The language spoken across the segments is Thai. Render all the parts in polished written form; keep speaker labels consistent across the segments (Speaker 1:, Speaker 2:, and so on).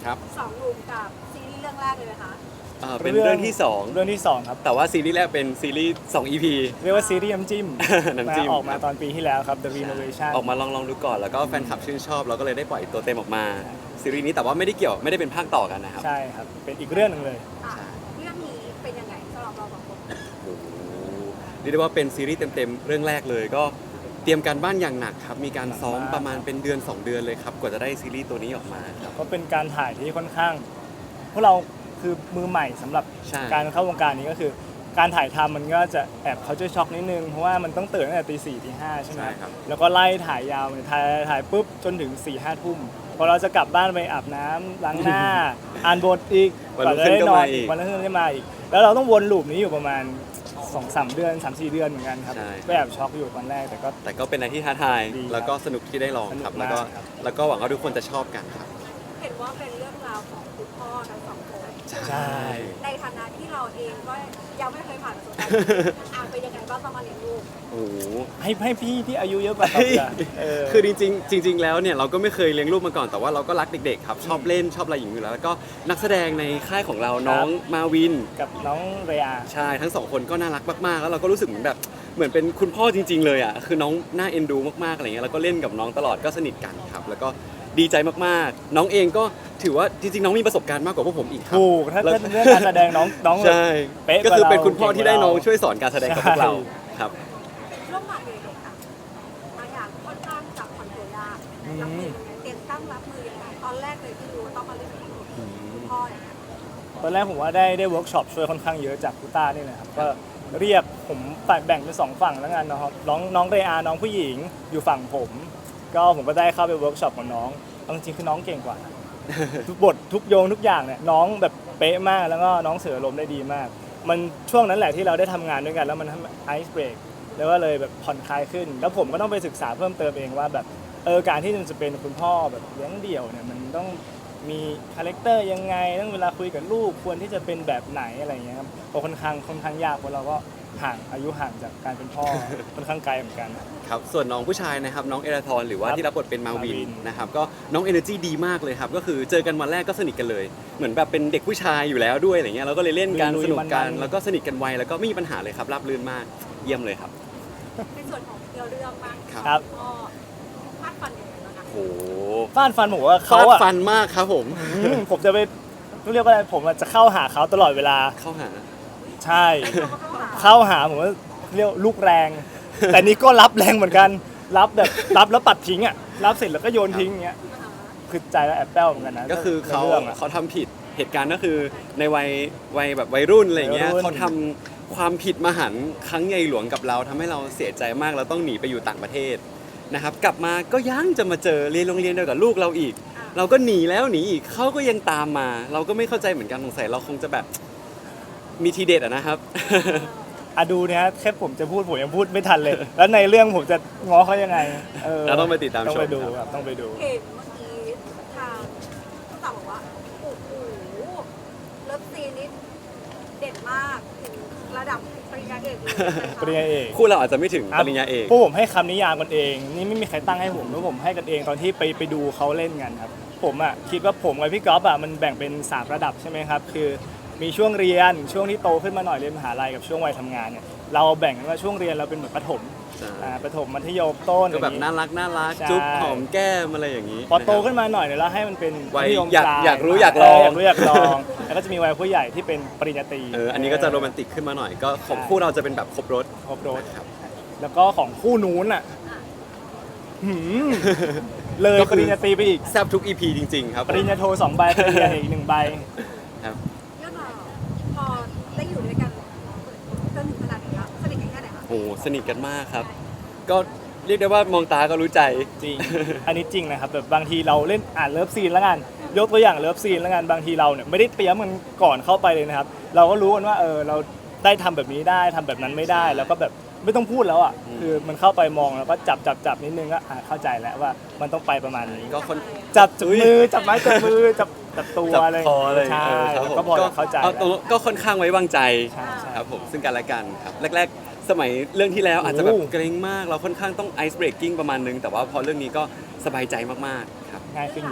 Speaker 1: ครับ
Speaker 2: สองหนุ่มกับซีรีส์เรื่องแรกเลยไหมคะ
Speaker 1: เป็นเรื่องที่
Speaker 3: เรื่องที่สองครับ
Speaker 1: 2แต่ว่าซีรีส์แรกเป็นซีรีส์2 EP
Speaker 3: เรียกว่าซีรีส์น้ำจิ้ม
Speaker 1: น้ำจิ้ม
Speaker 3: ออกมาตอนปีที่แล้วครับ The Renovation
Speaker 1: ออกมาลองดูก่อนแล้วก็แฟนคลับชื่นชอบเราก็เลยได้ปล่อยตัวเต็มออกมาซีรีส์นี้แต่ว่าไม่ได้เป็นภาคต่อกันนะครับ
Speaker 3: ใช่ครับ เป็นอีกเรื่องหนึงเลย
Speaker 2: อ่ะเรื่องนี้เป็นยังไงสำหรับเราสองคน
Speaker 1: โอ้โหเรียกได้ว่าเป็นซีรีส์เต็มๆเรื่องแรกเลยก็เตรียมการบ้านอย่างหนักครับมีการซ้อมประมาณเป็นเดือน 2 เดือนเลยครับกว่าจะได้ซีรีส์ตัวนี้ออกมาครับ
Speaker 3: ก็เป็นการถ่ายที่ค่อนข้างพวกเราคือมือใหม่สำหรับ
Speaker 1: ใช่
Speaker 3: การเข้าวงการนี้ก็คือ การถ่ายทำมันก็จะแอบเขาจะช็อกนิดนึงเพราะว่ามันต้องตื่นตั้งแต่ตี 4 ตี 5ใช่ไหม
Speaker 1: ใช่ครับ
Speaker 3: แล้วก็ไล่ถ่ายยาวเลยถ่ายปุ๊บจนถึง 4 5 ทุ่มพอเราจะกลับบ้านไปอาบน้ำล้างหน้า อ่านบทอีก
Speaker 1: วันรุ่งขึ้นก็มาอีก
Speaker 3: วันรุ่งขึ้นได้มาอีก แล้วเราต้องวนลูปนี้อยู่ประมาณ 2-3 เดือน 3-4 เดือนเหมือนกันครับก็แอบช็อกอยู่ตอนแรกแต่ก็
Speaker 1: เป็นอะไรที่ท้าทาย
Speaker 3: ดีครับ
Speaker 1: แล้วก็สนุกที่ได้ลองครับ
Speaker 3: สนุก
Speaker 1: แล้ว
Speaker 3: มาก
Speaker 1: ก็
Speaker 3: ครับ
Speaker 1: แล้วก็หวังว่าทุกคนจะชอบกันครับ
Speaker 2: เห็นว่าเป็นเรื่องราวของคุณพ่อทั้งสองคน
Speaker 3: ใช่
Speaker 2: ในฐานะที่เราเองก็ยังไม่เคยผ่านประสบการณ์เป็นยังไงบ้างตอนมาเลี้ยงลูก
Speaker 1: โอ้โห
Speaker 3: ให้พี่ที่อายุเยอะกว่าเราดีกว่า
Speaker 1: คือจริงๆแล้วเนี่ยเราก็ไม่เคยเลี้ยงลูกมาก่อนแต่ว่าเราก็รักเด็กๆครับชอบเล่นชอบอะไรอย่างนี้อยู่แล้วแล้วก็นักแสดงในค่ายของเราน้องมาวิน
Speaker 3: กับน้องเรีย
Speaker 1: ใช่ทั้งสองคนก็น่ารักมากๆแล้วเราก็รู้สึกเหมือนแบบเหมือนเป็นคุณพ่อจริงๆเลยอ่ะคือน้องน่าเอ็นดูมากๆอะไรเงี้ยแล้วก็เล่นกับน้องตลอดก็สนิทกันครับแล้วก็ดีใจมากๆน้องเองก็ถือว่าจริงๆน้องมีประสบการณ์มากกว่าพวกผมอีกครับ
Speaker 3: ถูกถ้าเรื่องการแสดงน้อง
Speaker 1: ใช่
Speaker 3: เป๊ะ
Speaker 1: ก็คือเป็น
Speaker 3: กว่าเรา
Speaker 1: คุณพ่อที่ได้น้อง
Speaker 3: เก่งกว่าเรา
Speaker 1: ช่วยสอนการแสดงกับพวกเราครับ
Speaker 2: ร่วมงานเด็กๆค่ะบางอย่างค่อนข้างจับคอนโทรลยากรับมือยังไงเตรียมตั้งรับมือยังไงตอนแรกเลยที่รู้ว่าต้องมาเล่นกับคุณพ่ออย่างเงี้ย
Speaker 3: ตอนแรกผมว่าได้เวิร์กช็อปช่วยค่อนข้างเยอะจากคุต้านี่แหละครับก็เรียกผมแบ่งเป็น2ฝั่งแล้วกันนะครับน้องเรอาน้องผู้หญิงอยู่ฝั่งผม ก็ผมก็ได้เข้าไปเวิร์กช็อปกับน้องเอาจริงๆคือน้องเก่งกว่า ทุกบททุกโยงทุกอย่างเนี่ยน้องแบบเป๊ะมากแล้วก็น้องเสือลมได้ดีมาก มันช่วงนั้นแหละที่เราได้ทำงานด้วยกันแล้วมันทำไอซ์เบรกแล้วก็เลยแบบผ่อนคลายขึ้น แล้วผมก็ต้องไปศึกษาเพิ่มเติมเองว่าแบบการที่จะเป็นคุณพ่อแบบเลี้ยงเดี่ยวเนี่ยมันต้องมีคาแรคเตอร์ยังไงต้องเวลาคุยกับลูกควรที่จะเป็นแบบไหนอะไรอย่างเงี้ยครับก็ค่อนข้างยากเพราะเราก็อายุห่างจากการเป็นพ่อ ค่อนข้างไกลเหมือนกัน
Speaker 1: ครับส่วนน้องผู้ชายนะครับน้องเอราทอนหรือว่า
Speaker 3: ครับ
Speaker 1: ที่รับบทเป็นมาวิ
Speaker 3: มาวิ
Speaker 1: น
Speaker 3: น
Speaker 1: นะครับก็น้องเอเนอร์จีดีมากเลยครับก็คือเจอกันวันแรกก็สนิทกันเลยเหมือนแบบเป็นเด็กผู้ชายอยู่แล้วด้วยอะไรเงี้ยเราก็เลยเล่นกัน
Speaker 3: ลุยๆ
Speaker 1: สนุกกัน
Speaker 3: มันๆ
Speaker 1: แล้วก็สนิทกันไวแล้วก็ไม่มีปัญหาเลยครับราบรื่นมากเยี่ยมเลยครับ
Speaker 2: ในส่วนของเรื่องบ้าง
Speaker 3: ครับ
Speaker 2: พ่อฟาดฟันยังไงบ้างคะ
Speaker 1: โอ้โห
Speaker 3: ฟาดฟันผมว่าเขา
Speaker 1: ฟาด
Speaker 3: อะ
Speaker 1: ฟันมากครับผม
Speaker 3: ผมจะไปเรียกว่าอะไรผมอะจะเข้าหาเขาตลอดเวลา
Speaker 1: เข้าหา
Speaker 3: ใช่
Speaker 2: เราก็เข้าหา
Speaker 3: เข้าหาผมว่าเรียกลูกแรง แต่นี่ก็รับแรงเหมือนกัน รับแบบรับแล้วปัดทิ้งอ่ะรับเสร็จแล้วก็โยนทิ้งอย่างเงี้ยคือใจแล้วแอบแป้วเหมือนกันนะ
Speaker 1: ก็คือ
Speaker 3: ในรื่องอะ
Speaker 1: เขาทำผิดเหตุการณ์ก็คือในวัยแบบวัยรุ่นอะไรเงี้ย
Speaker 3: วัยรุ่น
Speaker 1: เขาทำความผิดมหันต์ครั้งใหญ่หลวงกับเราทำให้เราเสียใจมากเราต้องหนีไปอยู่ต่างประเทศนะครับกลับมาก็ยังจะมาเจอเรียนโรงเรียนเดียวกับลูกเราอีก เราก็หนีแล้วหนีอีกเขาก็ยังตามมา เราก็ไม่เข้าใจเหมือนกันสงสัยเราคงจะแบบมีทีเด็ดอะนะครับ
Speaker 3: อะดูเนี่ยแค่ผมจะพูดผมยังพูดไม่ทันเลย แล้วในเรื่องผมจะง้อเขายังไง
Speaker 1: เราต้องไปติดตาม
Speaker 3: ต้องไป
Speaker 1: ชม
Speaker 3: ดู
Speaker 1: ครับ
Speaker 3: ครับต้องไปดู
Speaker 2: เห็นเมื่อกี้ทางผู้สาวบอกว่าโอ้โหเลิฟซีนนี้เด็ดมากถึงระดับปริญญาเอกเลย
Speaker 3: ปริญญาเอก
Speaker 1: คู่เราอาจจะไม่ถึงปริญญาเอก
Speaker 3: พวกผมให้คำนิยามกันเอง นี่ไม่มีใครตั้งให้ผมแล้วผมให้กันเองตอนที่ไปดูเขาเล่นกันครับ ผมอ่ะคิดว่าผมกับพี่ก๊อฟอ่ะมันแบ่งเป็น3ระดับใช่ไหมครับคือมีช่วงเรียนช่วงที่โตขึ้นมาหน่อยเรียนมหาลัยกับช่วงวัยทำงานเนี่ยเราแบ่งกันว่าช่วงเรียนเราเป็นเหมือนประถม
Speaker 1: ใช่
Speaker 3: ประถมมัธยมต้น
Speaker 1: ก็แบบ
Speaker 3: อย่ง
Speaker 1: น่า
Speaker 3: งี้
Speaker 1: รัก
Speaker 3: ใช่
Speaker 1: จุ๊บหอมแก้มอะไรอย่างนี้
Speaker 3: พอโต
Speaker 1: นะครับ
Speaker 3: ขึ้นมาหน่อยเนี่ยเราให้มันเป็น
Speaker 1: วัย
Speaker 3: มัธยม
Speaker 1: อยาก
Speaker 3: ปล
Speaker 1: อยากรู้อยากลอง
Speaker 3: อยากรู้อยากลอง แล้วก็จะมีวัยผู้ใหญ่ที่เป็นปริญญาตรี
Speaker 1: อันนี้ก็จะโรแมนติกขึ้นมาหน่อยก็ของคู่เราจะเป็นแบบครบรถ
Speaker 3: ครบรถ
Speaker 1: ครับ
Speaker 3: แล้วก็ของคู่นู้นอ่ะหืมเลย
Speaker 1: ก็คือ
Speaker 3: ปริญญาตรีไปอีก
Speaker 1: แซบทุก EP จริงๆครับ
Speaker 3: ปริญญาโท2 ใบปริญญาเอกอีก1 ใบ
Speaker 1: ครับ
Speaker 2: เรื่องราวพอได้อยู่ด้วยกันจนถึงขนาดนี้แล้วสนิทกันแค่ไหนคะ
Speaker 1: โอ้โหสนิทกันมากครับ ก็เรียกได้ว่ามองตาก็รู้ใจ
Speaker 3: จริง อันนี้จริงนะครับแบบบางทีเราเล่นเลิฟซีนแล้วกันยกตัวอย่างเลิฟซีนแล้วกันบางทีเราเนี่ยไม่ได้เตรียมกันก่อนเข้าไปเลยนะครับ เราก็รู้กันว่าเราได้ทำแบบนี้ได้ทำแบบนั้นไม่ได้ แล้วก็แบบไม่ต้องพูดแล้วอ่ะคือมันเข้าไปมองแล้วก็จับนิดนึงก็เข้าใจแล้วว่ามันต้องไปประมาณนี้
Speaker 1: ก็คน
Speaker 3: จับมือจับไม้จับมือจับตัว
Speaker 1: จับ
Speaker 3: อะไร
Speaker 1: คออะไร
Speaker 3: ใช่
Speaker 1: ครับ
Speaker 3: แล้วก็พอจะเข้าใจ
Speaker 1: ตรงก็ค่อนข้างไว้วางใจ
Speaker 3: ใช่ใช่
Speaker 1: ครับผมซึ่งกันและกันครับแรกๆ สมัยเรื่องที่แล้วอาจจะแบบ
Speaker 3: โอ้
Speaker 1: เกรงมากเราค่อนข้างต้องไอซ์เบรกกิ้งประมาณนึงแต่ว่าพอเรื่องนี้ก็สบายใจมากๆครับ
Speaker 3: ง่ายขึ้นเยอะครับ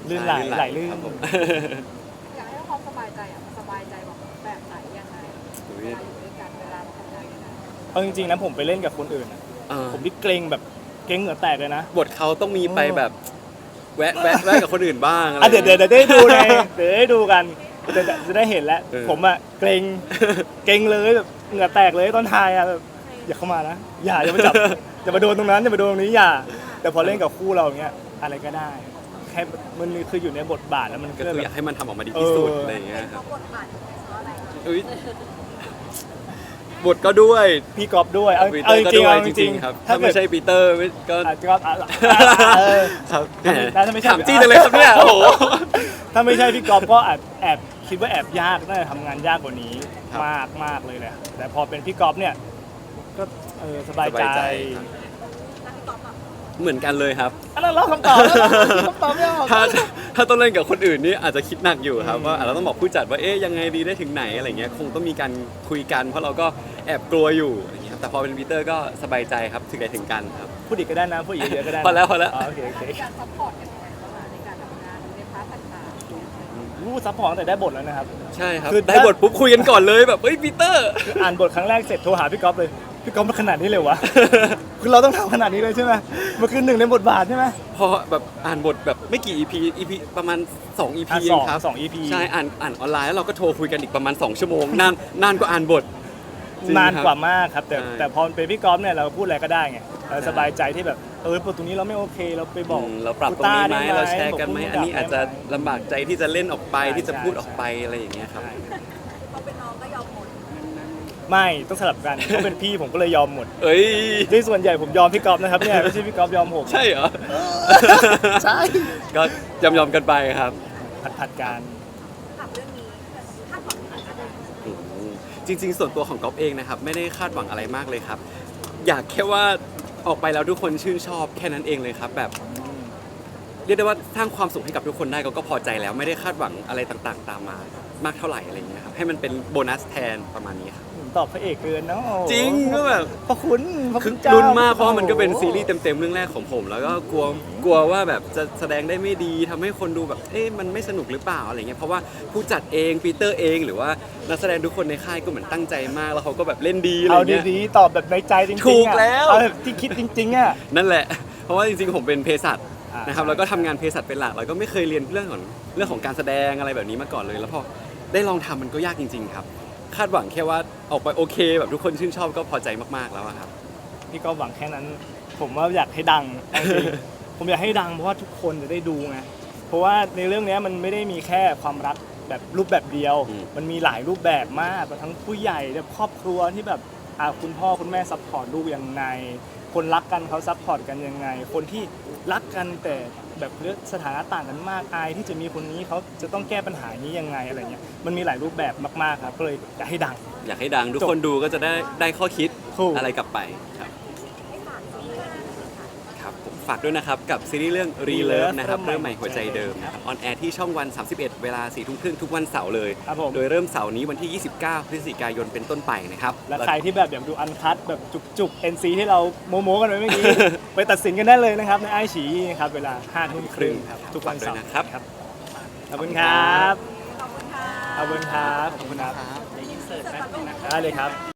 Speaker 3: ลื่นไหลไหลลื่น
Speaker 1: ครับผม
Speaker 2: อยากให้ความสบายใจอ่ะสบายใจแบบไหนยังไงเวลาอยู่ด้วยกันเวลาทำงานกัน
Speaker 3: เอาจริงๆนะผมไปเล่นกับคนอื่นอะ
Speaker 1: อ่า
Speaker 3: ผมที่เกรงแบบเกรงเหงื่อแตกเลยนะ
Speaker 1: บทเขาต้องมีไปแบบแวะกับคนอื่นบ้างอะไร
Speaker 3: อ่ะเดี๋ยวได้ดูไงเดี๋ยวได้ดูกันเดี๋ยวจะได้เห็นแล้ว
Speaker 1: เออ
Speaker 3: ผมอะเกรงเลยแบบเหงื่อแตกเลยตอนถ่ายอะแบบอย่าเข้ามานะอย่ามาจับ อย่ามาโดนตรงนั้นอย่ามาโดนตรงนี้อย่า แต่พอเล่นกับคู่เราอย่างเงี้ยอะไรก็ได้แค่มันคืออยู่ในบทบาทแล้วมัน
Speaker 1: ก็
Speaker 3: ก็
Speaker 1: คือ
Speaker 3: แบ
Speaker 1: อยา
Speaker 3: บ
Speaker 1: กให้มันทำออกมาดีที่สุด
Speaker 3: เอออ
Speaker 1: อะไรอย่างเงี้ยค
Speaker 2: เพ
Speaker 1: รับ
Speaker 2: ราะบทบาทเพราะอะไร
Speaker 1: อุ๊ยบทก็ด้วย
Speaker 3: พี่กอฟด้วยเอา
Speaker 1: ปีเต
Speaker 3: เอา
Speaker 1: อ
Speaker 3: จ
Speaker 1: ร์ก็
Speaker 3: ริง
Speaker 1: ด้
Speaker 3: ๆ
Speaker 1: วย
Speaker 3: เอา
Speaker 1: จ
Speaker 3: จ
Speaker 1: ริ
Speaker 3: ริ
Speaker 1: ง
Speaker 3: ง
Speaker 1: ๆครับ
Speaker 3: ๆ
Speaker 1: ถ้าไม่ใช่ปีเตอร์ก็
Speaker 3: ก็เออ
Speaker 1: ครับแหม
Speaker 3: ถ้าไม่ใช่
Speaker 1: ถามจี้จังเลยครับเนี่ยโอ้โห
Speaker 3: ถ้าไม่ใช่พี่กอฟก็แอบคิดว่าแอบยากน่าจะทำงานยากกว่านี้
Speaker 1: ครับ
Speaker 3: มากเลยแหละแต่พอเป็นพี่กอฟเนี่ยก็สบาย
Speaker 1: สบายใจ
Speaker 3: ใจ
Speaker 1: ครับ
Speaker 2: แล้วพี่ก๊อฟอ่ะ
Speaker 1: เหมือนกันเลยครับ
Speaker 3: อันนั้นเราคำตอบแล้วคำตอบไม่ออก
Speaker 1: ถ้าต้องเล่นกับคนอื่นนี่อาจจะคิดหนักอยู่ครับ
Speaker 3: อืม
Speaker 1: ว่าเราต้องบอกผู้จัดว่าเอ๊ยยังไงดีได้ถึงไหนอะไรเงี้ยคงต้องมีการคุยกันเพราะเราก็แอบกลัวอยู่อะไรเงี้ยแต่พอเป็นปีเตอร์ก็สบายใจครับถึงไหนถึงกันครับ
Speaker 3: พูดอีกก็ได้นะพูดอีกเยอะๆก็ได้นะ
Speaker 1: พอแล้ว
Speaker 3: อ๋อโอเค
Speaker 2: การซัพพอร์ตกันยังไงบ้างอะในการทำงานในพาร์ทต่างๆ
Speaker 3: รู้ซัพพอร์ตตั้งแต่ได้บทแล้วนะครับ
Speaker 1: ใช่ครับ
Speaker 3: คือ
Speaker 1: ได้บทปุ๊บคุยกันก่อนเลยแบบเฮ้ยปีเตอร์
Speaker 3: คืออ่านบทครั้งแรกเสร็จโทรหาพี่กอฟเลยพี่กอฟมันขนาดนี้เลยวะ คือเราต้องทำขนาดนี้เลยใช่ไหมมันคือหนึ่งในบทบาทใช่ไหม
Speaker 1: พอแบบอ่านบทแบบไม่กี่ EP ประมาณ2 EP
Speaker 3: อ่ะ
Speaker 1: เองครับ
Speaker 3: สอง EP
Speaker 1: ใช่อ่านออนไลน์แล้วเราก็โทรคุยกันอีกประมาณ2 ชั่วโมงนานกว่าอ่านบทจริง
Speaker 3: นาน
Speaker 1: ครับ
Speaker 3: กว่ามากครับแต่
Speaker 1: ใช่
Speaker 3: แต่พอเป็นพี่กอฟเนี่ยเราพูดอะไรก็ได้ไงเราสบายใจที่แบบตรงนี้เราไม่โอเคเราไปบอก
Speaker 1: เราปรับตรงนี้ไหม
Speaker 3: กูต้
Speaker 1: เราแชร์กันไหม
Speaker 3: บ
Speaker 1: อันนี้อาจจะลำบากใจที่จะเล่นออกไป
Speaker 3: ใช่
Speaker 1: ที่จะพูด
Speaker 3: ใช่
Speaker 1: ออกไปอะไรอย่างเงี้ยครับ
Speaker 3: ใช่
Speaker 2: พอเป็นน้องก็ยอมหมด
Speaker 3: ไม่ต้องสลับกันเขาเป็นพี่ผมก็เลยยอมหมด
Speaker 1: เอ้ย
Speaker 3: ในส่วนใหญ่ผมยอมพี่กอฟนะครับเนี่ยไม่ใช่พี่กอฟยอมผม
Speaker 1: ใช่เหรอ
Speaker 3: ใช่
Speaker 1: ก็ยอมกันไปครับ
Speaker 3: ผัดการ
Speaker 2: ถามเรื่องนี้คาดหวังอะไร
Speaker 1: อืมจริง ๆ ส่วนตัวของก๊อฟเองนะครับไม่ได้คาดหวังอะไรมากเลยครับ อยากแค่ว่าออกไปแล้วทุกคนชื่นชอบแค่นั้นเองเลยครับแบบ เรียกได้ว่าสร้างความสุขให้กับทุกคนได้ก็พอใจแล้วไม่ได้คาดหวังอะไรต่างๆ ตามมามากเท่าไหร่อะไรอย่างเงี้ยครับให้มันเป็นโบนัสแทนประมาณนี้ครับ
Speaker 3: ตอบพระเอกเกินเนาะ
Speaker 1: จริงก็แบบ
Speaker 3: พระคุณพระ
Speaker 1: คื
Speaker 3: คุ
Speaker 1: อ
Speaker 3: ณเจ้า
Speaker 1: ลุ้นมากเพราะว่ามันก็เป็นซีรีส์เต็มๆเรื่องแรกของผม แล้วก็กลัวว่าแบบจะแสดงได้ไม่ดีทำให้คนดูแบบเอ๊ะมันไม่สนุกหรือเปล่าอะไรเงี้ยเพราะว่าผู้จัดเองปีเตอร์เองหรือว่านักแสดงทุกคนในค่ายก็เหมือนตั้งใจมากแล้วเขาก็แบบเล่นดีอะไร
Speaker 3: เอา
Speaker 1: เงี้ย
Speaker 3: ดีๆตอบแบบในใจจริงๆ
Speaker 1: ถูก
Speaker 3: อะ
Speaker 1: แล้ว
Speaker 3: เอาแบบที่คิดจริงๆอ่ะ
Speaker 1: นั่นแหละ เพราะว่าจริงๆผมเป็นเภสัช นะครับ
Speaker 3: ใช่
Speaker 1: แล้วก็ทำงานเภสัชเป็นหลักแล้วก็ไม่เคยเรียนเรื่องของการแสดงอะไรแบบนี้มาก่อนเลย แล้วพอได้ลองทำมันก็ยากจริง ๆ ครับ คาดหวังแค่ว่าออกไปโอเค แบบทุกคนชื่นชอบก็พอใจมากๆแล้วอะครับ
Speaker 3: พี่ก็หวังแค่นั้น ผมว่าอยากให้ดังเอาจริง ผมอยากให้ดังเพราะว่าทุกคนจะได้ดูไงเพราะว่าในเรื่องนี้มันไม่ได้มีแค่ความรักแบบรูปแบบเดียว
Speaker 1: อืม
Speaker 3: มันมีหลายรูปแบบมากทั้งผู้ใหญ่แบบครอบครัวที่แบบคุณพ่อคุณแม่ซัพพอร์ตลูกยังไง คนรักกันเขาซัพพอร์ตกันยังไง คนที่รักกันแต่แบบเลือกสถานะต่างกันมากอายที่จะมีคนนี้เขาจะต้องแก้ปัญหานี้ยังไงอะไรเงี้ยมันมีหลายรูปแบบมากๆครับก็เลยอยากให้ดัง
Speaker 1: อยากให้ดังทุกคนดูก็จะได้ข้อคิด
Speaker 3: ถูก
Speaker 1: อะไรกลับไปครับ
Speaker 2: ให้ฝากซีรีส์เรื่องนี้ค่ะ
Speaker 1: ครับผมฝากด้วยนะครับ กับซีรีส์เรื่อง Relove นะครับเริ่มใหม่หัวใจเดิมนะครับออนแอร์ที่ช่องวัน 31 เวลา 4 ทุ่มครึ่งทุกวันเสาร์เลย
Speaker 3: ครับผม
Speaker 1: โดยเริ่มเสาร์นี้วันที่ 29 พฤศจิกายนเป็นต้นไปนะครับ
Speaker 3: และใครที่แบบอยากดูอันคัดแบบจุกๆ NC ที่เราโม้ๆกันไว้เมื่อกี้ ไปตัดสินกันได้เลยนะครับ ในไอฉีครับเวลา5 ทุ่มครึ่งครับทุกวันเสาร์
Speaker 1: ด้วยนะครับ
Speaker 3: ขอบคุณครับ
Speaker 2: ขอบคุณค่ะ
Speaker 3: ขอบคุณครับขอบคุณครับ
Speaker 2: อินเสิร์ตแป๊บนึงนะคะ
Speaker 3: ได้เลยครับ